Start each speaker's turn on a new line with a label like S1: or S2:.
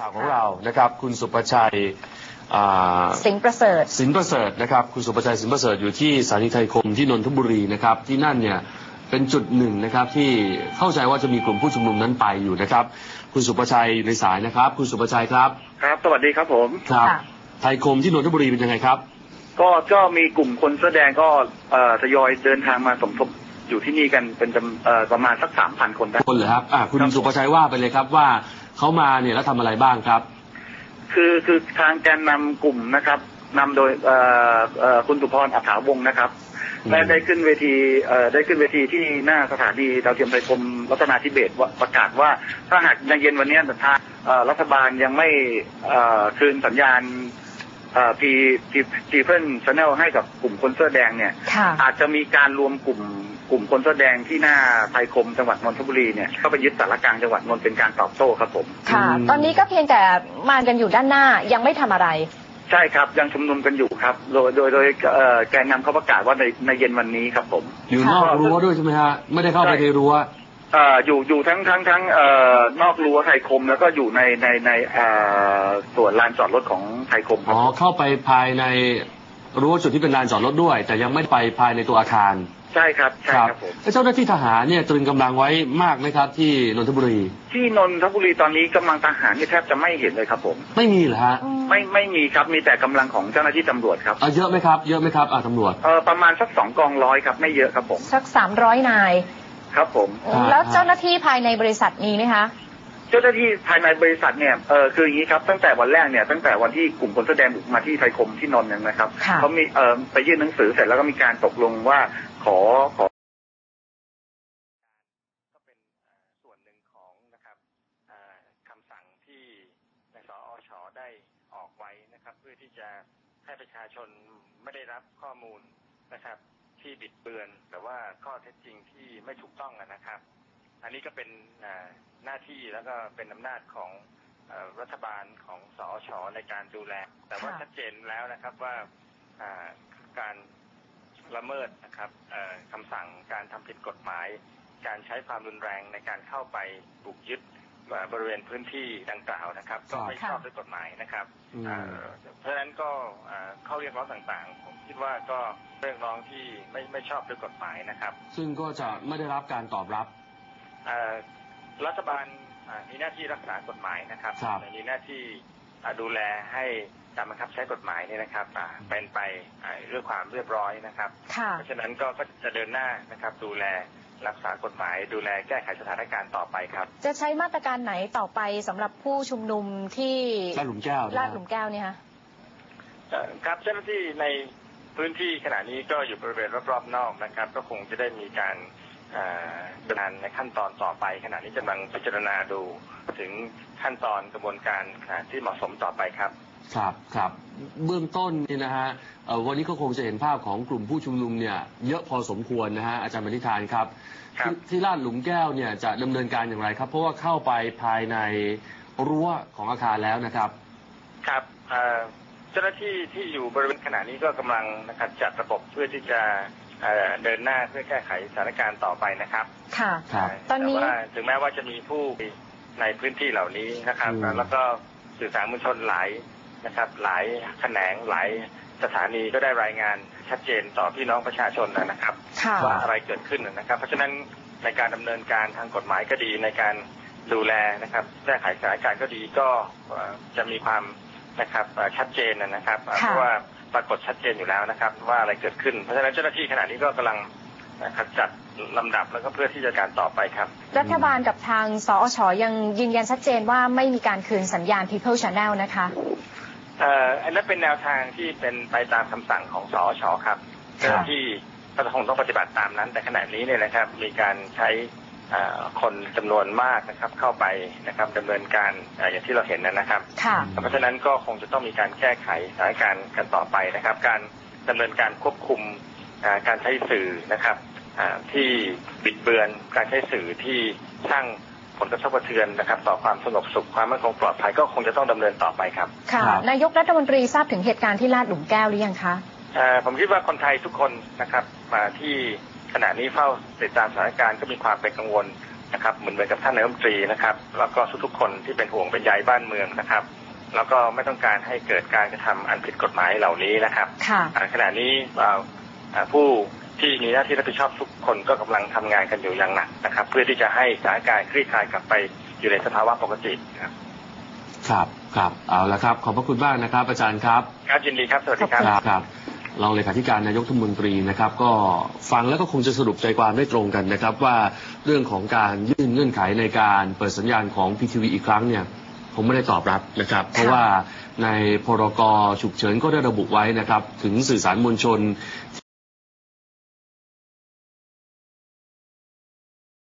S1: ข่าวของเรานะครับคุณสุประชัย
S2: สิงห์ประเสริฐ
S1: นะครับคุณสุประชัยสิงห์ประเสริฐอยู่ที่สถานีไทยคมที่นนทบุรีนะครับที่นั่นเนี่ยเป็นจุดหนึ่งนะครับที่เข้าใจว่าจะมีกลุ่มผู้ชุมนุมนั้นไปอยู่นะครับคุณสุประชัยอยู่ในสายนะครับคุณสุประชัยครับ
S3: ครับสวัสดีครับผม
S1: ครับไทยคมที่นนทบุรีเป็นยังไงครับ
S3: ก็มีกลุ่มคนแสดงก็ทยอยเดินทางมาสมทบอยู่ที่นี่กันเป็นประมาณสัก 3,000 คนได้
S1: คนเหรอครับคุณสุประชัยว่าไปเลยครับว่าเขามาเนี่ยแล้วทำอะไรบ้างครับ
S3: คือทางแกนนำกลุ่มนะครับนำโดยคุณสุพร อัฏฐาวงศ์นะครับได้ขึ้นเวทีที่หน้าสถานีดาวเทียมไทยคมรัตนาธิเบศรประกาศว่าถ้าหากในเย็นวันนี้ทางรัฐบาลยังไม่คืนสัญญาณPeople Channel ให้กับกลุ่มคนเสื้อแดงเนี่ยอาจจะมีการรวมกลุ่มคนเสื้อแดงที่หน้าไทยคมจังหวัดนนทบุรีเนี่ยเข้าไปยึดสารกลางจังหวัดนนท์เป็นการตอบโต้ครับผม
S2: ค่ะตอนนี้ก็เพียงแต่มากันอยู่ด้านหน้ายังไม่ทำอะไร
S3: ใช่ครับยังชุมนุมกันอยู่ครับโดยแกนนำเขาประกาศว่าในเย็นวันนี้ครับผม
S1: อยู่นอกรั้วด้วยใช่ไหมฮะไม่ได้เข้าไปในรั้ว
S3: อยู่ทั้งนอกรั้วไทยคมแล้วก็อยู่ในส่วนลานจอดรถของไทยคม
S1: เข้าไปภายในรั้วจุดที่เป็นลานจอดรถด้วยแต่ยังไม่ไปภายในตัวอาคาร
S3: ใช่ครับใช่ครับผม
S1: เจ้าหน้าที่ทหารเนี่ยตรึงกำลังไว้มากไหมครับที่นนทบุรี
S3: ที่นนทบุรีตอนนี้กำลังทหารแทบจะไม่เห็นเลยครับผม
S1: ไม่มีเหรอฮะ
S3: ไม่มีครับมีแต่กำลังของเจ้าหน้าที่ตำรวจครับ
S1: เยอะไหมครับตำรวจ
S3: ประมาณสัก2 กองร้อยครับไม่เยอะครับผม
S2: สัก300 นาย
S3: ครับผม
S2: แล้วเจ้าหน้าที่ภายในบริษัทมีไหมคะ
S3: เจ้าหน้าที่ภายในบริษัทเนี่ยคืออย่างนี้ครับตั้งแต่วันแรกเนี่ยตั้งแต่วันที่กลุ่มคนแสดงบุกมาที่ไทยคมที่นนท์นะครับเขามีไปยื่นหนังสือเสร็จแล้วก็มีการตกลงว่าขอก็เป็นส่วนหนึ่งของนะครับคำสั่งที่ในสอช.ได้ออกไว้นะครับเพื่อที่จะให้ประชาชนไม่ได้รับข้อมูลนะครับที่บิดเบือนหรือว่าข้อเท็จจริงที่ไม่ถูกต้องนะครับอันนี้ก็เป็นหน้าที่แล้วก็เป็นอำนาจของรัฐบาลของสอช.ในการดูแลแต่ว่าชัดเจนแล้วนะครับว่าการละเมิดนะครับคำสั่งการทำผิดกฎหมายการใช้ความรุนแรงในการเข้าไปบุกยึดบริเวณพื้นที่ดังกล่าวนะครับก็ไม่ชอบด้วยกฎหมายนะครับเพราะฉะนั้นก็ข้อเรียกร้องต่างๆผมคิดว่าก็เรียกร้องที่ไม่ชอบด้วยกฎหมายนะครับ
S1: ซึ่งก็จะไม่ได้รับการตอบรับ
S3: รัฐบาลมีหน้าที่รักษากฎหมายนะครับมีหน้าที่ดูแลให้การบังคับใช้กฎหมายนี่นะครับเป็นไปด้วยความเรียบร้อยนะครับเพราะฉะนั้นก็จะเดินหน้านะครับดูแลรักษากฎหมายดูแลแก้ไขสถานการณ์ต่อไปครับ
S2: จะใช้มาตรการไหนต่อไปสำหรับผู้ชุมนุมที่
S1: ลาดหลุมแก้ว
S2: เนี่ยคะ
S3: ครับเจ้าหน้าที่ในพื้นที่ขณะนี้ก็อยู่บริเวณรอบๆนอกนะครับก็คงจะได้มีการดำเนินในขั้นตอนต่อไปขณะนี้กำลังพิจารณาดูถึงขั้นตอนกระบวนการที่เหมาะสมต่อไปครับ
S1: ครับเบื้องต้นนี่นะฮะวันนี้ก็คงจะเห็นภาพของกลุ่มผู้ชุมนุมเนี่ยเยอะพอสมควรนะฮะอาจารย์บรรณิธานครับที่ลาดหลุมแก้วเนี่ยจะดำเนินการอย่างไรครับเพราะว่าเข้าไปภายในรั้วของอาคารแล้วนะครับ
S3: ครับเจ้าหน้าที่ที่อยู่บริเวณขณะนี้ก็กำลังนะครับจัดระบบเพื่อที่จะเดินหน้าเพื่อแก้ไขสถานการณ์ต่อไปนะครับ
S2: ค่ะตอนนี้
S3: ถึงแม้ว่าจะมีผู้ในพื้นที่เหล่านี้นะครับแล้วก็สื่อสารมวลชนหลายแขนงหลายสถานีก็ได้รายงานชัดเจนต่อพี่น้องประชาชนนะครับว่าอะไรเกิดขึ้นนะครับเพราะฉะนั้นในการดำเนินการทางกฎหมายก็ดีในการดูแลนะครับแก้ไขสถานการณ์ก็ดีก็จะมีความนะครับชัดเจนนะครับเพราะว่าปรากฏชัดเจนอยู่แล้วนะครับว่าอะไรเกิดขึ้นเพราะฉะนั้นเจ้าหน้าที่ขณะนี้ก็กำลังจัดลำดับแล้วก็เพื่อที่จะการต่อไปครับ
S2: รัฐบาลกับทางสอช.ยังยืนยันชัดเจนว่าไม่มีการคืนสัญญาณ People Channel นะคะ
S3: อันนั้นเป็นแนวทางที่เป็นไปตามคำสั่งของสอช.ครับที่ก็คงต้องปฏิบัติตามนั้นแต่ขณะนี้เนี่ยนะครับมีการใช้คนจำนวนมากนะครับเข้าไปนะครับดำเนินการอย่างที่เราเห็นนะครับเพราะฉะนั้นก็คงจะต้องมีการแก้ไขสถานการณ์กันต่อไปนะครับการดำเนินการควบคุมการใช้สื่อนะครับที่บิดเบือนการใช้สื่อที่สร้างผลกระทบกระเทือนนะครับต่อความสงบสุขความมั่นคงปลอดภัยก็คงจะต้องดำเนินต่อไปครับ
S2: ค่ะนายกรัฐมนตรีทราบถึงเหตุการณ์ที่ลาดหลุมแก้วหรือยังคะ
S3: ผมคิดว่าคนไทยทุกคนนะครับมาที่ขณะนี้เฝ้าติดตามสถานการณ์ก็มีความเป็นกังวลนะครับเหมือนกับท่านนายกรัฐมนตรีนะครับแล้วก็ทุกๆคนที่เป็นห่วงเป็นใยบ้านเมืองนะครับแล้วก็ไม่ต้องการให้เกิดการกระทำอันผิดกฎหมายเหล่านี้นะครับขณะนี้ผู้ที่มีหน้าที่รับผิดชอบทุกคนก็กำลังทำงานกันอยู่อย่างหนักนะครับเพื่อที่จะให้สถานการณ์คลี่คลายกลับไปอยู่ในสภาวะปกติครับ
S1: ครับเอาละครับขอบพระคุณมากนะครับอาจารย์ครับ
S3: ครับยินดีครับสวัสดีครับ
S1: ครับรองเลขาธิการนายกรัฐมนตรีนะครับก็ฟังแล้วก็คงจะสรุปใจความได้ตรงกันนะครับว่าเรื่องของการยื่นเงื่อนไขในการเปิดสัญญาณของ PTV อีกครั้งเนี่ยผมไม่ได้ตอบรับนะครับเพราะว่าในพรกฉุกเฉินก็ได้ระบุไว้นะครับถึงสื่อสารมวลชน